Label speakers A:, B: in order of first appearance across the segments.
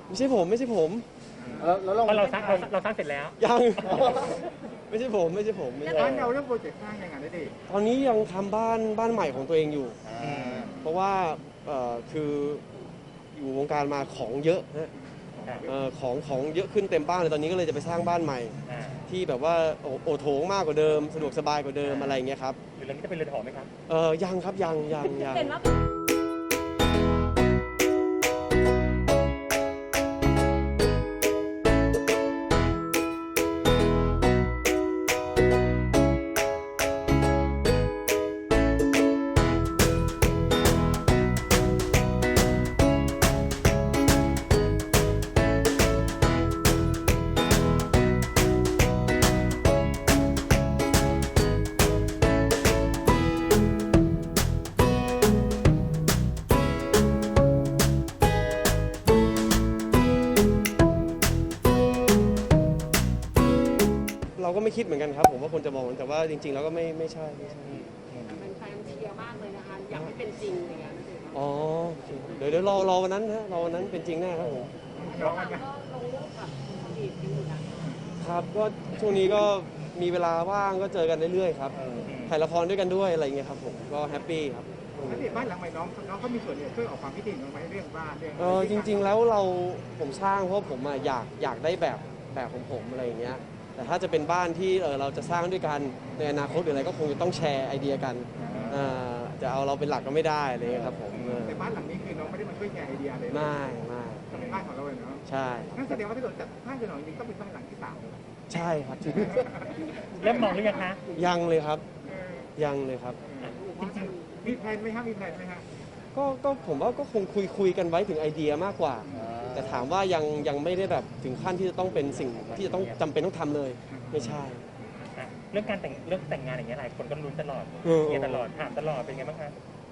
A: ไม่ใช่ผมไม่ใช่ผม
B: แล้วเรา
C: เพราะเราสร้างเสร็จแล้ว
A: ยัง ไม่ใช่ผมไม่ใช่ผมไม่ใช่
B: บ้านเราเรื่องโปรเจกต์สร้างยังไงได้ดิ
A: ตอนนี้ยังทำบ้านใหม่ของตัวเองอยู่ เพราะว่าคืออยู่วงการมาของเยอะนะของเยอะขึ้นเต็มบ้านเลยตอนนี้ก็เลยจะไปสร้างบ้านใหม่ ที่แบบว่าโอโถงมากกว่าเดิมสะดวกสบายกว่าเดิมอะไรอย่างเงี้ยครับ
C: หรือเรื่องนี้จะเป็นเรือนหอไหมครับ
A: ยังครับยัง
D: เห็นว่า
A: เราก็ไม่คิดเหมือนกันครับผมว่าคนจะมองแต่ว่าจริงๆแล้วก็ไม่ใช่
D: เป็นแฟนเชียร์มากเลยนะคะ อยากให้เป็นจริงอะไรอย่างเงี้ย
A: อ๋อเดี๋ยวรอวันนั้นนะรอวันนั้นเป็นจริงแน่ครับผม
D: ก็ลงรูปกับอดีตกันอยู่นะครับ
A: ก็ช่วงนี้ก็มีเวลาว่างก็เจอกันเรื่อยๆครับถ่ายละครด้วยกันด้วยอะไรอย่างเงี้ยครับผมก็แฮปปี้ครับ
B: แล้วที่บ้านหลังใหม่น้องเขามีส่วนช่วยออกความคิดเห็นลงไปเรื่องบ้านเรื่อง
A: จริงๆแล้วผมสร้างเพราะผมอยากได้แบบของผมอะไรอย่างเงี้ยแต่ถ้าจะเป็นบ้านที่เราจะสร้างด้วยกันในอนาคตหรืออะไรก็คงจะต้องแชร์ไอเดียกันจะเอาเราเป็นหลักก็ไม่ได้เลยครับผม
B: แต่บ้านหลังนี้คือน้องไม่ได้มาช่วยแชร์ไอเดียเลย
A: ไม่
B: ก็เป็นบ้านของเราเลยเนาะ
A: ใช่
B: นั่นแสดงว่าถ้าเราจัดบ้านคือหลังนี้ต้องเป็นบ้านหลังที่3เลย
A: ใช่ครับ
C: เริ่มมองหรือยังคะ
A: ยังเลยครับยังเลยครับ
C: จริง
B: มีแผนไหมครับมีแผนไหมฮะ
A: ก็ผมว่าก็คงคุยกันไว้ถึงไอเดียมากกว่า แต่ถามว่ายังไม่ได้แบบถึงขั้นที่จะต้องเป็นสิ่งที่จะต้องจำเป็นต้องทำเลยไม่ใช่
C: เรื่องแต่งงานอย่างเงี้ยหลายคนก็ลุ้นตลอดเงียตลอดถามตลอดเป็นไงบ้างคะ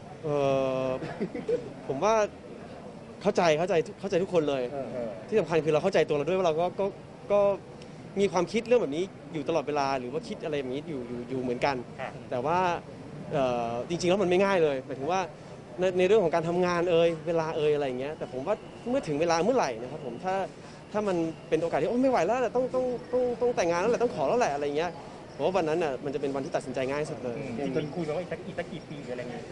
A: ผมว่าเข้าใจทุกคนเลย ที่สำคัญคือเราเข้าใจตัวเราด้วยว่าเราก็มีความคิดเรื่องแบบนี้อยู่ตลอดเวลาหรือว่าคิดอะไรแบบนี้อยู่เหมือนกัน แต่ว่าจริงๆแล้วมันไม่ง่ายเลยหมายถึงว่าในเรื่องของการทำงานเวลาอะไรอย่างเงี้ยแต่ผมว่าเมื่อถึงเวลาเมื่อไหร่นะครับผมถ้ามันเป็นโอกาสที่ไม่ไหวแล้วแหละต้องแต่งงานแล้วแหละต้องขอแล้วแหละอะไรเงี้ยผมว่าวันนั้นน่ะมันจะเป็นวันที่ตัดสินใจง่ายสุดเลย
C: จริงๆคุยกันว่าอีกสักกี่ปีหรืออะไรเงี้ย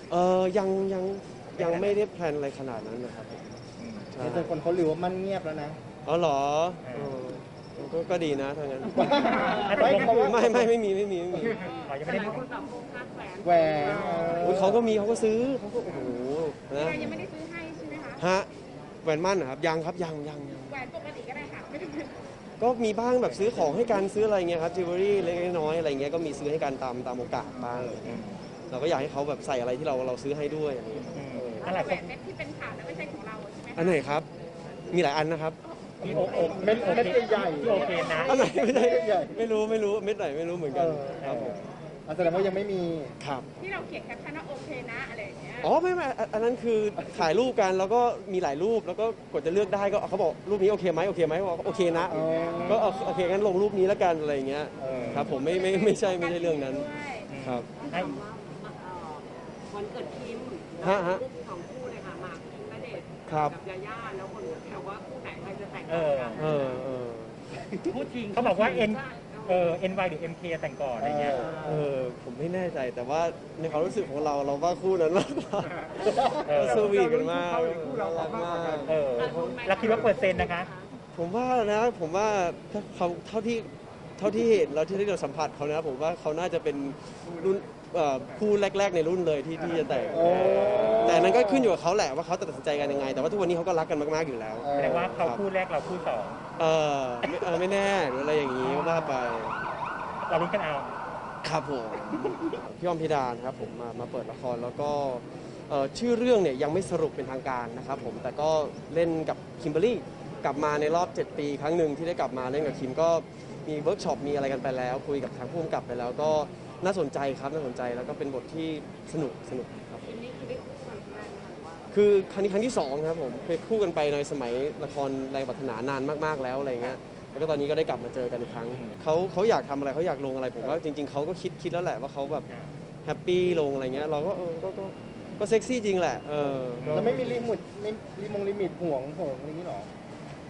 A: ยังไม่ได้แพลนอะไรขนาดนั้นนะครับใช่
E: แต่คนเขาลือว่ามันเงียบแล้วนะ
A: อ๋อเหรอก็ดีนะถ้างั้น ไม่มี
C: ยัง
D: แต่
C: ไม่ได้
D: หลายคนแบบโฟกัสแหวน
E: แหวน
A: เขาก็มีเขาก็ซื้อเขาก็โอ้โหนะ
D: ยังไม่ได้ซื้อให้ใช่ไหมคะ
A: ฮะแหวนมั่นนะครับยังครับยัง
D: แหวนปกติก็ได้ค่ะไม่ได้เป็น
A: ก็มีบ้างแบบซื้อของให้กันซื้ออะไรเงี้ยครับจิวเวลรี่เล็กน้อยอะไรเงี้ยก็มีซื้อให้กันตามโอกาสบ้างเราก็อยากให้เขาแบบใส่อะไรที่เราซื้อให้ด้วยอะไรเงี้ย
C: อะไร
D: แหวนเม็ดที่เป็นข่าวนั้นไม่ใช่ของเราใช่ไหม
A: อันไหนครับมีหลายอันนะครับ
C: ที่
E: เม็ดใหญ่
C: ที่โอเคนะ
A: อันไหนไม่ใช่
E: ใหญ่
A: ไม่รู้เม็ดไหนไม่รู้เหมือนกันครับผม
E: แสดงว่ายังไม่มี
A: ครับ
D: ที่เราเขียนแคปชั่นว่าโอเคนะอะไรอย่างเงี้ย
A: อ๋อไม่อันนั้นคือถ่ายรูปกันแล้วก็มีหลายรูปแล้วก็กดจะเลือกได้ก็เขาบอกรูปนี้โอเคไหมบอกโอเคนะ ก็โอเคงั้นลงรูปนี้แล้วกันอะไรอย่างเงี้ยครับผมไม่ใช่เรื่องนั้นครับ
D: ถามว่าวันเกิดคิม
A: ฮะ
D: รูปสองคู่เลยค่ะหมากคิมณเดชน์
A: ครับ
D: กับยาย่าแล้วคนก็แซวว่าคู่ไหนใครจะแต่ง
C: เอ
D: ก่อน
C: อ
D: กัน พูดจริง
C: เขาบอกว่า NY หรือ MK แต่งก่อนอะไรเงี้ย
A: ผมไม่แน่ใจแต่ว่าในความรู้สึกของเราว่าคู่นั้นมากกว่าสวีทกันมากน่ารักมาก
C: แล้วคิดว่าเปอร์เซ็นต์นะคะ
A: ผมว่าเขาเท่าที่เห็นแล้วที่เราสัมผัสเขานะผมว่าเขาน่าจะเป็นรุ่นคู่แรกๆในรุ่นเลยที่จะแต่งแต่นั้นก็ขึ้นอยู่กับเขาแหละว่าเขาตัดสินใจกันยังไงแต่ว่าทุกวันนี้เขาก็รักกันมากๆอยู่แล้ว
C: แสดงว่าเขาคู่แรกเราคู่สอง
A: ไม่แน่หรืออะไรอย่างนี้ว่าไป
C: เราลุ้นกันเอา
A: ครับผมพี่อ้อมพิดานครับผมมาเปิดละครแล้วก็ชื่อเรื่องเนี่ยยังไม่สรุปเป็นทางการนะครับผมแต่ก็เล่นกับคิมเบอรรี่กลับมาในรอบ 7 ปีครั้งหนึ่งที่ได้กลับมาเล่นกับคิมก็มีเวิร์กช็อปมีอะไรกันไปแล้วคุยกับทางผู้กำกับไปแล้วก็น่าสนใจครับน่าสนใจแล้วก็เป็นบทที่สนุกครับ
D: อันนี้คือได้คู่กันแรกนะคะว่า
A: คือครั้งนี้ครั้งที่2ครับผมเคยคู่กันไปในสมัยละครแรงปรารถนานานมากๆแล้วอะไรเงี้ยแล้วก็ตอนนี้ก็ได้กลับมาเจอกันอีกครั้งเขาอยากทำอะไรเขาอยากลงอะไรผมว่าจริงๆเขาก็คิดแล้วแหละว่าเขาแบบแฮปปี้ลงอะไรเงี้ยเราก็ก็เซ็กซี่จริงแหละ
E: แล้วไม่มีลิมิตห่วงอะไรอย่างนี้หรอ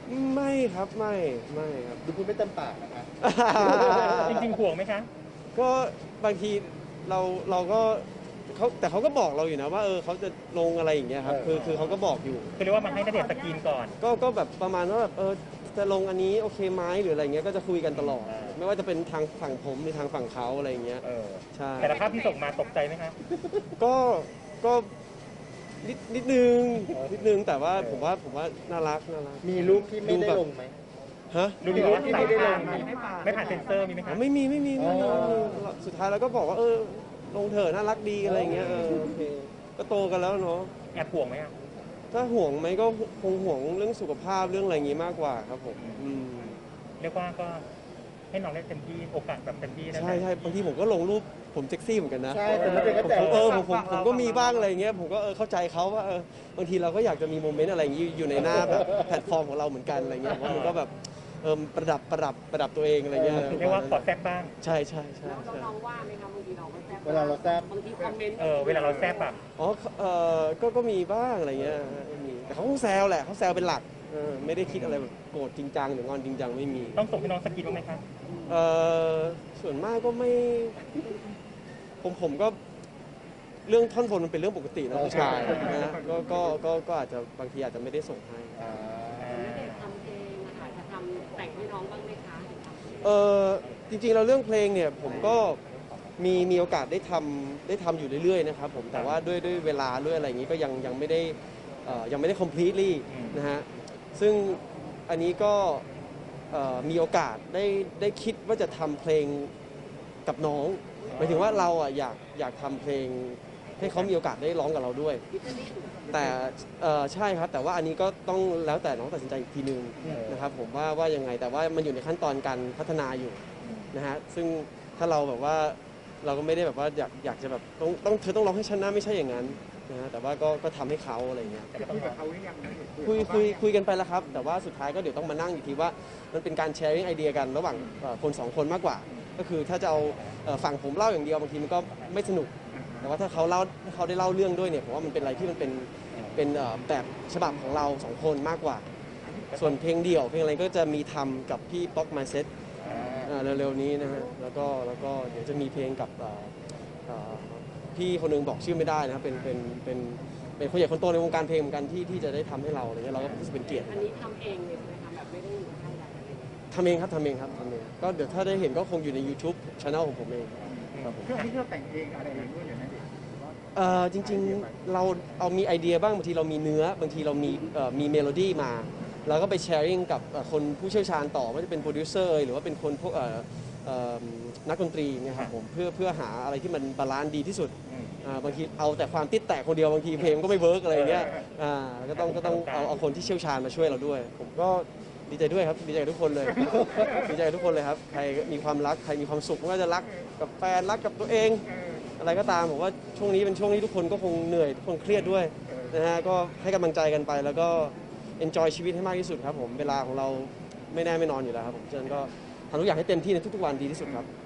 A: ไม่ครับไม่ครับ
E: ดูพูดไม่เต็มปากนะคะ
C: จริงๆห่วงไหมคะ
A: ก็บางทีเราก็แต่เขาก็บอกเราอยู่นะว่าเขาจะลงอะไรอย่างเงี้ยครับคือเขาก็บอกอยู่
C: คือเรียกว่ามาให้ณเดชน์สกรีนก่อน
A: ก็แบบประมาณว่าแบบจะลงอันนี้โอเคไหมหรืออะไรเงี้ยก็จะคุยกันตลอด ไม่ว่าจะเป็นทางฝั่งผมหรือทางฝั่งเขาอะไรอย่างเงี้ยใช่
C: แต่ละภาพที่ส่งมาตกใจไหมคะ
A: ก็นิดนึงแต่ว่าผมว่าน่ารัก
E: มีรูปที่ไม่ได้ลงไหม
A: ฮะ
C: ดูดีว่า
E: ที่
C: ใส่
E: ไม่ได้ล
C: ผ่าง นไม่ผ่านเซ็นเซอร์มีไหมคะ
A: ไม่มีสุดท้ายเราก็บอกว่าลงเถอะน่ารักดีอะไรอย่างเงี้ยโอเคก็โตกันแล้วเนาะ
C: แอบห่วงไหมอ่ะ
A: ถ้าห่วงไหมก็คงห่วงเรื่องสุขภาพเรื่องอะไรอย่างงี้มากกว่าครับผม
C: เรียกว่าก็ให้น้องได้เต็มที่โอกาสแบบเต็มที่นะ
A: ใช่บางทีผมก็ลงรูปผมเซ็กซี่เหมือนกันนะ
E: ใช่แต่ไม่เป็นก็แต่
A: ผมก็มีบ้างอะไรอย่างเงี้ยผมก็เข้าใจเขาว่าบางทีเราก็อยากจะมีโมเมนต์อะไรอย่างงี้อยู่ในหน้าแบบแพลตฟอร์มของเราเหมือนกันอะไรเงี้ยเพราะมันก็แบบประดับตัวเองอะไรเงี้ย
C: เรียกว่าขอแซ่บบ้าง
A: ใช่
D: แล้วน้องว่าไหมคะบางทีเราก็แซ่บ
E: เวลาเราแซ่บ
D: บางทีคอมเมนต์
C: เวลาเราแซ่บแบบ
A: อ๋อก็มีบ้างอะไรเงี้ยมีแต่เขาคงแซวแหละเขาแซวเป็นหลักไม่ได้คิดอะไรแบบโกรธจริงจังหรืองอนจริงจังไม่มี
C: ต้องส่งให้น้องสกรีนบ้างไหมคะ
A: ส่วนมากก็ไม่ผมก็เรื่องท่อนบนมันเป็นเรื่องปกตินะผู้ชายนะก็อาจจะบางทีอาจจะไม่ได้ส่งให้
D: ไม่ได้ทำเพลงนะคะจะทำแต่งให้น้องบ้างไหมคะ
A: จริงๆเราเรื่องเพลงเนี่ยผมก็มีโอกาสได้ทำอยู่เรื่อยๆนะครับผมแต่ว่าด้วยเวลาด้วยอะไรอย่างนี้ก็ยังไม่ได้ completely นะฮะซึ่งอันนี้ก็มีโอกาสได้คิดว่าจะทำเพลงกับน้องหมายถึงว่าเราอยากทำเพลงให้เขามีโอกาสได้ร้องกับเราด้วย แต่ใช่ครับแต่ว่าอันนี้ก็ต้องแล้วแต่น้องตัดสินใจอีกทีนึงนะครับผมว่ายังไงแต่ว่ามันอยู่ในขั้นตอนการพัฒนาอยู่นะฮะซึ่งถ้าเราแบบว่าเราก็ไม่ได้แบบว่าอยากจะแบบเธอต้องร้องให้ฉันนะไม่ใช่อย่างนั้นนะฮะแต่ว่าก็ทำให้เขาอะไรอย่างเงี้ย
B: คุยกับเขาหรือยังนะ
A: คุยกันไปแล้วครับแต่ว่าสุดท้ายก็เดี๋ยวต้องมานั่งอีกทีว่ามันเป็นการแชร์ไอเดียกันระหว่างคนสองคนมากกว่า ก็คือถ้าจะเอาฝั่งผมเล่าอย่างเดียวบางทีมันก็ไม่สนุกแต่ว่าถ้าเขาได้เล่าเรื่องด้วยเนี่ยผมว่ามันเป็นอะไรที่มันเป็นแบบฉบับของเราสองคนมากกว่า ส่วนเพลงเดี่ยวเพลงอะไรก็จะมีทำกับพี่ป๊อกมาเซ็ตเร็วๆนี้นะฮะแล้วก็เดี๋ยวจะมีเพลงกับพี่คนหนึงบอกชื่อไม่ได้นะครับเป็นคนใหญ่คนโตในวงการเพลงเหมือนกันที่จะได้ทำให้เราอะไรเงี้ยเราก็รู้สึกเป็นเกียรติ
D: อันนี้ทำเองเลยใช่ไหมคะแบบไม่ได้อยู่ค่ายใดอะไรอย่างเงี้ย
A: ทำเองครับก็เดี๋ยวถ้าได้เห็นก็คงอยู่ใน YouTube Channel ของผมเองครับผม
B: เครื่องที่เราแต่งเองอะไรเองด้วยอย่างนั้นดิ
A: จริงๆเราเอามีไอเดียบ้างบางทีเรามีเนื้อบางทีเรามีเมโลดี้มาเราก็ไปแชร์ริ่งกับคนผู้เชี่ยวชาญต่อว่าจะเป็นโปรดิวเซอร์หรือว่าเป็นคนพวกนักดนตรีเนี่ยครับผมเพื่อหาอะไรที่มันบาลานซ์ดีที่สุดบางทีเอาแต่ความติดแตกคนเดียวบางทีเพลงก็ไม่เวิร์กอะไรอย่างเงี้ยก็ต้องเอาคนที่เชี่ยวชาญมาช่วยเราด้วย ผมก็ดีใจด้วยครับดีใจกับทุกคนเลย ดีใจกับทุกคนเลยครับใครมีความรักใครมีความสุขไม่ว่าจะรักกับแฟนรักกับตัวเอง อะไรก็ตามผมว่าช่วงนี้เป็นช่วงที่ทุกคนก็คงเหนื่อยทุกคนเครียดด้วยนะฮะก็ให้กำลังใจกันไปแล้วก็ enjoy ชีวิตให้มากที่สุดครับผมเวลาของเราไม่แน่ไม่นอนอยู่แล้วครับผมฉะนั้นก็ทำทุกอย่างให้เต็มที่ในทุกๆวันดีที่สุดครับ